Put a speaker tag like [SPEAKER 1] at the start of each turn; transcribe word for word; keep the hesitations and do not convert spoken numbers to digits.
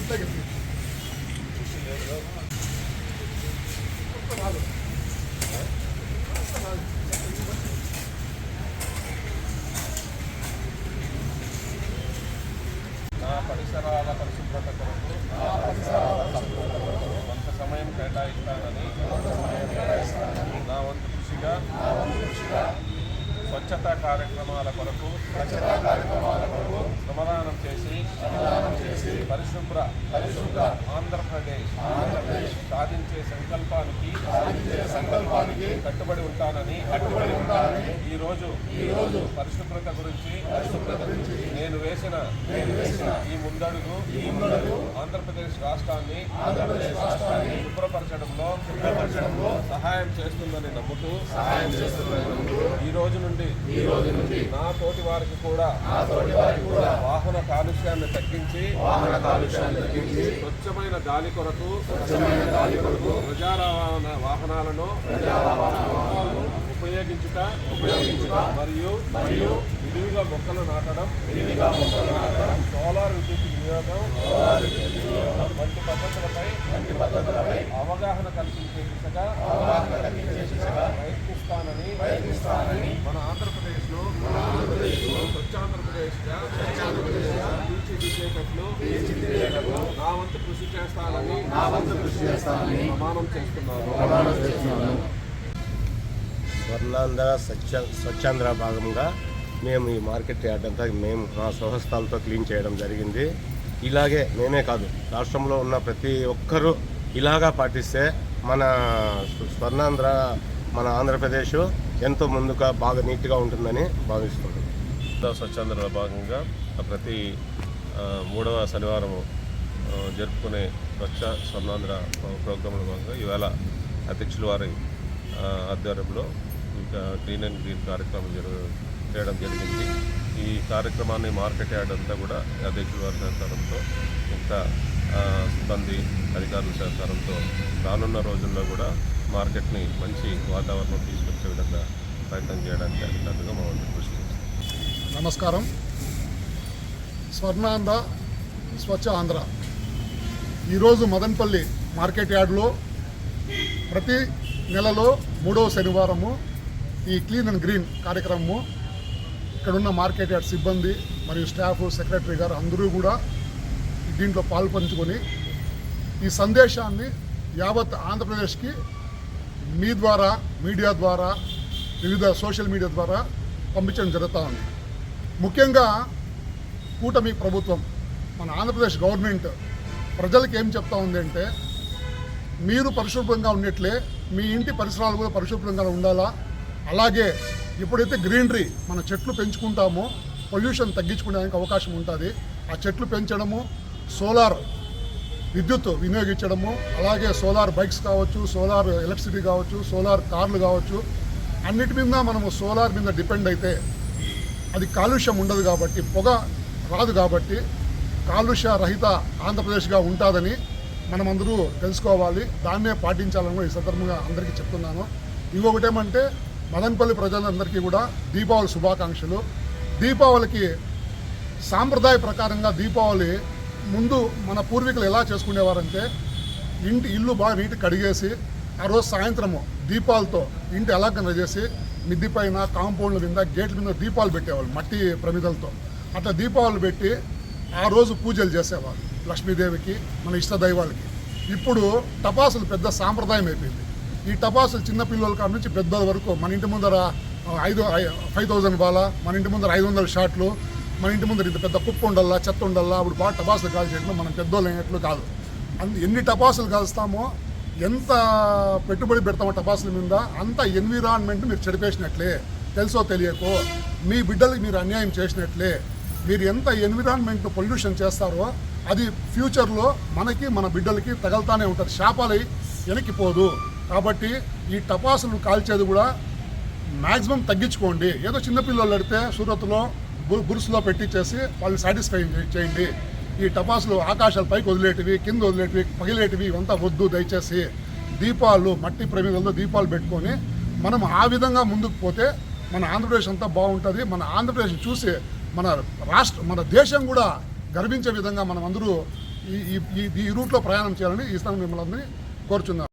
[SPEAKER 1] పరిసరాల పరిశుభ్రత కొరకు కొంత సమయం కేటాయిస్తానని నా వంతు కృషిగా స్వచ్ఛతా కార్యక్రమాల కొరకు శ్రమదానం చేసి పరిశుభ్ర పరిశుభ్ర ఆంధ్రప్రదేశ్ సాధించే సంకల్పానికి సంకల్పానికి కట్టుబడి ఉంటానని కట్టుబడి ఉంటానని ఈ రోజు ఈ రోజు పరిశుభ్రత గురించి పరిశుభ్రత గురించి నేను వేసిన నేను వేసిన ఈ ముందడుగు ఈ ముందడుగు ఆంధ్రప్రదేశ్ రాష్ట్రాన్ని ఆంధ్రప్రదేశ్ రాష్ట్రాన్ని శుభ్రపరచడంలో శుభ్రపరచడంలో సహాయం చేస్తుందని నమ్ముతూ సహాయం చేస్తుందని నమ్ముతూ ఈ రోజు నుండి ఈ రోజు నుండి నా తోటి వారికి కూడా నా తోటి వారికి కూడా వాహన కాలుష్యాన్ని తగ్గించి వాహన కాలుష్యాన్ని తగ్గించి స్వచ్ఛమైన గాలి కొరకు స్వచ్ఛమైన గాలి కొరకు ప్రజా రవాణా వాహనాలను ప్రజా వాహనాలను ఉపయోగించుట ఉపయోగించుట మరియు మరియు విరివిగా మొక్కలు నాటడం విరివిగా మొక్కలు నాటడం సోలార్ విద్యుత్ వినియోగం వంటి పద్ధతులపై వంటి పద్ధతులపై అవగాహన కల్పించే దిశగా అవగాహన కల్పించే దిశగా ప్రయత్నిస్తానని ప్రయత్నిస్తానని మన ఆంధ్రప్రదేశ్ లో మన ఆంధ్రప్రదేశ్ లో స్వచ్ఛాంధ్రప్రదేశ్ గా స్వచ్ఛాంధ్రప్రదేశ్ తీర్చిదిద్దేటట్లు తీర్చిదిద్దేటట్లు నా వంతు కృషి చేస్తానని నా వంతు కృషి చేస్తానని ప్రమాణం చేస్తున్నాను ప్రమాణం చేస్తున్నాను.
[SPEAKER 2] స్వర్ణాంధ్ర స్వచ్ఛ స్వచ్ఛాంధ్ర భాగంగా మేము ఈ మార్కెట్ యార్డ్ అంతా మేము మా స్వహస్తాలతో క్లీన్ చేయడం జరిగింది. ఇలాగే మేమే కాదు, రాష్ట్రంలో ఉన్న ప్రతి ఒక్కరూ ఇలాగా పాటిస్తే మన స్వర్ణాంధ్ర మన ఆంధ్రప్రదేశ్ ఎంతో ముందుగా బాగా నీట్గా ఉంటుందని భావిస్తున్నాం.
[SPEAKER 1] స్వచ్ఛాంధ్ర భాగంగా ప్రతి మూడవ శనివారం జరుపుకునే స్వచ్ఛ స్వర్ణాంధ్ర ప్రోగ్రాంలో భాగంగా ఈవేళ అధ్యక్షుల వారి ఆధ్వర్యంలో ఇంకా క్లీన్ అండ్ గ్రీన్ కార్యక్రమం జరుగు చేయడం జరిగింది. ఈ కార్యక్రమాన్ని మార్కెట్ యార్డ్ అంతా కూడా అధ్యక్షుల వారి సహకారంతో ఇంకా సిబ్బంది అధికారుల సహకారంతో రానున్న రోజుల్లో కూడా మార్కెట్ని మంచి వాతావరణం తీసుకొచ్చే విధంగా ప్రయత్నం చేయడానికి అధికారులుగా మా వంతు కృషి చేస్తాం.
[SPEAKER 3] నమస్కారం. స్వర్ణాంధ్ర స్వచ్ఛ ఆంధ్ర ఈరోజు మదనపల్లి మార్కెట్ యార్డ్లో ప్రతి నెలలో మూడవ శనివారము ఈ క్లీన్ అండ్ గ్రీన్ కార్యక్రమము ఇక్కడున్న మార్కెట్ యార్డ్ సిబ్బంది మరియు స్టాఫ్ సెక్రటరీ గారు అందరూ కూడా దీంట్లో పాల్పంచుకొని ఈ సందేశాన్ని యావత్ ఆంధ్రప్రదేశ్కి మీ ద్వారా మీడియా ద్వారా వివిధ సోషల్ మీడియా ద్వారా పంపించడం జరుగుతూ ఉంది. ముఖ్యంగా కూటమి ప్రభుత్వం మన ఆంధ్రప్రదేశ్ గవర్నమెంట్ ప్రజలకు ఏం చెప్తా ఉంది అంటే, మీరు పరిశుభ్రంగా ఉన్నట్లే మీ ఇంటి పరిసరాలు కూడా పరిశుభ్రంగా ఉండాలా. అలాగే ఎప్పుడైతే గ్రీనరీ మన చెట్లు పెంచుకుంటామో పొల్యూషన్ తగ్గించుకోవడానికి అవకాశం ఉంటుంది. ఆ చెట్లు పెంచడము, సోలార్ విద్యుత్ వినియోగించడము, అలాగే సోలార్ బైక్స్ కావచ్చు, సోలార్ ఎలక్ట్రిసిటీ కావచ్చు, సోలార్ కార్లు కావచ్చు, అన్నిటి మీద మనము సోలార్ మీద డిపెండ్ అయితే అది కాలుష్యం ఉండదు కాబట్టి, పొగ రాదు కాబట్టి కాలుష్య రహిత ఆంధ్రప్రదేశ్గా ఉంటుందని మనమందరూ తెలుసుకోవాలి. దాన్నే పాటించాలని ఈ సందర్భంగా అందరికీ చెప్తున్నాను. ఇంకొకటి ఏమంటే, మదనపల్లి ప్రజలందరికీ కూడా దీపావళి శుభాకాంక్షలు. దీపావళికి సాంప్రదాయ ప్రకారంగా దీపావళి ముందు మన పూర్వీకులు ఎలా చేసుకునేవారంటే, ఇంటి ఇల్లు బాగా నీటి కడిగేసి ఆ రోజు సాయంత్రము దీపాలతో ఇంటి అలంకరణ చేసి మిద్ది పైన, కాంపౌండ్ల మీద, గేట్ల మీద దీపాలు పెట్టేవాళ్ళు మట్టి ప్రమిదలతో. అట్లా దీపావళి పెట్టి ఆ రోజు పూజలు చేసేవాళ్ళు లక్ష్మీదేవికి, మన ఇష్ట దైవాలకి. ఇప్పుడు టపాసులు పెద్ద సాంప్రదాయం అయిపోయింది. ఈ టపాసులు చిన్నపిల్లల కాడ నుంచి పెద్దల వరకు మన ఇంటి ముందర ఐదు ఫైవ్ థౌజండ్ బాల, మన ఇంటి ముందర ఐదు వందల షాట్లు, మన ఇంటి ముందర ఇంత పెద్ద కుప్ప ఉండల్లా, చెత్త ఉండల్లా. అప్పుడు బాగా టపాసులు కాల్చేట్లు మనం పెద్దోళ్ళు అయినట్లు కాదు. అందు ఎన్ని టపాసులు కాల్స్తామో, ఎంత పెట్టుబడి పెడతామో టపాసుల మీద, అంత ఎన్విరాన్మెంట్ మీరు చెడిపేసినట్లే. తెలుసో తెలియకో మీ బిడ్డలకి మీరు అన్యాయం చేసినట్లే. మీరు ఎంత ఎన్విరాన్మెంట్ పొల్యూషన్ చేస్తారో అది ఫ్యూచర్లో మనకి మన బిడ్డలకి తగలుతానే ఉంటుంది, శాపాలై వెనక్కిపోదు. కాబట్టి ఈ టపాసులు కాల్చేది కూడా మ్యాక్సిమం తగ్గించుకోండి. ఏదో చిన్నపిల్లలు అడితే సూరత్లో బురుసులో పెట్టించేసి వాళ్ళు సాటిస్ఫై చేయండి. ఈ టపాసులు ఆకాశాలు పైకి వదిలేటివి, కింద వదిలేటివి, పగిలేటివి ఇవంతా వద్దు. దయచేసి దీపాలు, మట్టి ప్రమిదల్లో దీపాలు పెట్టుకొని మనం ఆ విధంగా ముందుకు పోతే మన ఆంధ్రప్రదేశ్ అంతా బాగుంటుంది. మన ఆంధ్రప్రదేశ్ చూసి మన రాష్ట్ర మన దేశం కూడా గర్వించే విధంగా మనం అందరూ ఈ ఈ ఈ రూట్లో ప్రయాణం చేయాలని ఈ స్థానం మిమ్మల్ని అందరినీ కోరుచున్నాను.